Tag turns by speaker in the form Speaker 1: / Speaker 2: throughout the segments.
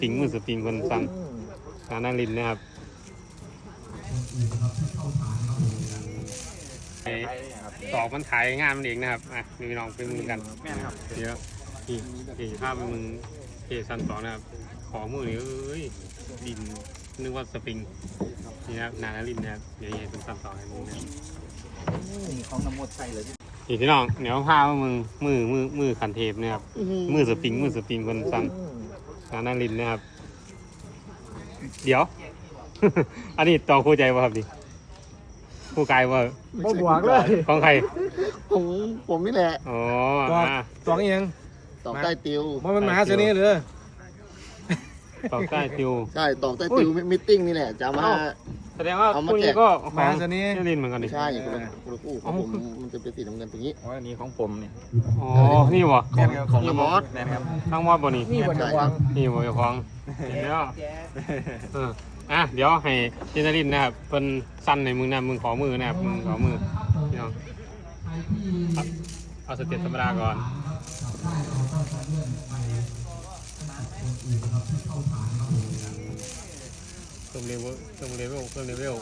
Speaker 1: ปริงมือสปริงคนสั่งนารินนะครับตอกมันขายงานมันเองนะครับอ่ะมีน้องเป็นมือกันเดี๋ยวที่ภาพเป็นมือซันสองนะครับขอมือนี่เอ้ยดินนึกว่าสปริงนี่นะครับนารินนะครับเดี๋ยวเป็นซันสองให้มึงนะ
Speaker 2: ของน้ำมดใส่เลย
Speaker 1: พี่น้องเดี๋ยวพามือขันเทปนะครับมือสปริงคนสั่งนารินนะครับเดี๋ยว อันนี้ต่อคู่ใจป่ะครับดิคู่กายว่า
Speaker 3: บ่บวกเลย
Speaker 1: ของใคร
Speaker 2: ผมนี่แหละ
Speaker 1: อ๋อ
Speaker 3: ตอกเอง
Speaker 2: ตอกใต้ติว
Speaker 3: มันมาเสน่ห์เลย
Speaker 1: ตอกใต้ติว
Speaker 2: ใช่ตอกใต้ติวมิทติ้งนี่แหละจะมา
Speaker 1: แสดงว่าคู่นี้ก็
Speaker 3: มาเสน่ห์
Speaker 1: ลินเหมือนกันดิ
Speaker 2: ใช่คนละคู่ผมมันจะเป็นสีน้ำเงินตรงนี้
Speaker 3: อันนี้ของผมเนี่ย
Speaker 1: อ๋อนี่วะ
Speaker 2: ของมอส
Speaker 3: นะครับ
Speaker 1: ทั้งมอสบ่นี่
Speaker 3: นี่บ่จะวาง
Speaker 1: นี่บ่จะวางเดี๋ยวเดี๋ยวให้เจนลินนะครับเป็นสั้นในมือนะมึงขอมือนะครับมึงขอมือพี่น้องเอาสเต็ปธรรมดาก่อนเพิ่มเลเวล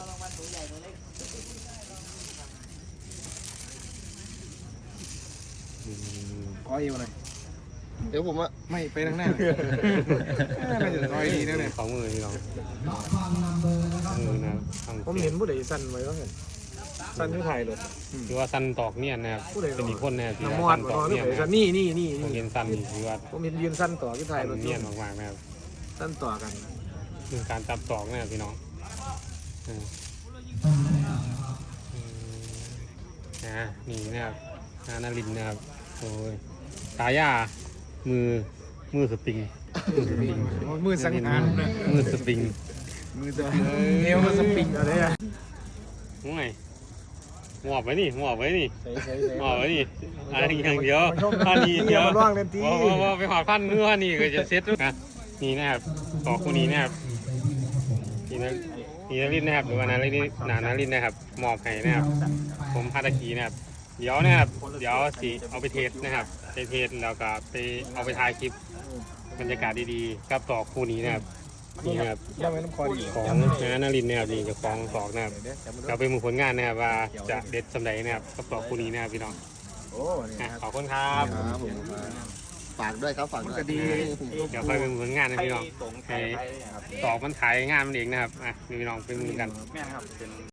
Speaker 3: ขออีกหน่อย
Speaker 2: เดี๋ยวผมอะ
Speaker 3: ไม่ไปทางหน้าไม่จะคอยดีนะเนี่ย
Speaker 1: ขอมือพี่น้องมือนะ
Speaker 3: ผมเห็นผู้ใดสั่นไว้ก็เห็นสั่นที่ไทยเลย
Speaker 1: คือว่าสั้นตอกเนี่ยนะครับเป็นอีกคนนะครับ
Speaker 3: ที่สั้นตอกเนี่ยนี่
Speaker 1: ผมเห็นสั้นคือว่า
Speaker 3: ผมเห็นยืนสั้นต่อที่ไทยรถ
Speaker 1: เนี่ยมากๆนะครับ
Speaker 3: สั้นต่อกัน
Speaker 1: คือการจับตอกเนี่ยพี่น้องนี่นะครับนารินนะครับโอ้ยตายามือสปริง
Speaker 3: มือสังหาร
Speaker 1: มือสปริง
Speaker 3: เอวมันสปริงอะไรอ่ะ
Speaker 1: ง่ายหมอบไว้นี่หมอบไว้นี่อันนี้อย่างเดียวอันนี้เดียวว่าไปหอดพันเมื่อนี่ก็จะเซ็ตนะนี่นะครับต่อคู่นี้นะครับนี่นารินนะครับหรือว่านารินนะครับมอบให้นะครับผมพาตะกี้นะครับเดี๋ยวสิเอาไปเทสนะครับไปเทสแล้วก็ไปเอาไปถ่ายคลิปบรรยากาศดีๆกับต่อคู่นี้นะครับนี่นะครับของนารินนะครับนี่จะคล้องตอกนะครับเราไปมือผลงานนะครับว่าจะเด็ดสำใดนะครับกับต่อคู่นี้นะครับพี่น้องขอบคุณครับ
Speaker 2: ฝากด้วยครับฝากด้วย
Speaker 1: เดี๋ยวไปเป็นผลงานนะพี่น้องตอกมันขายงานมันเองนะครับพี่น้องเป็นมือกัน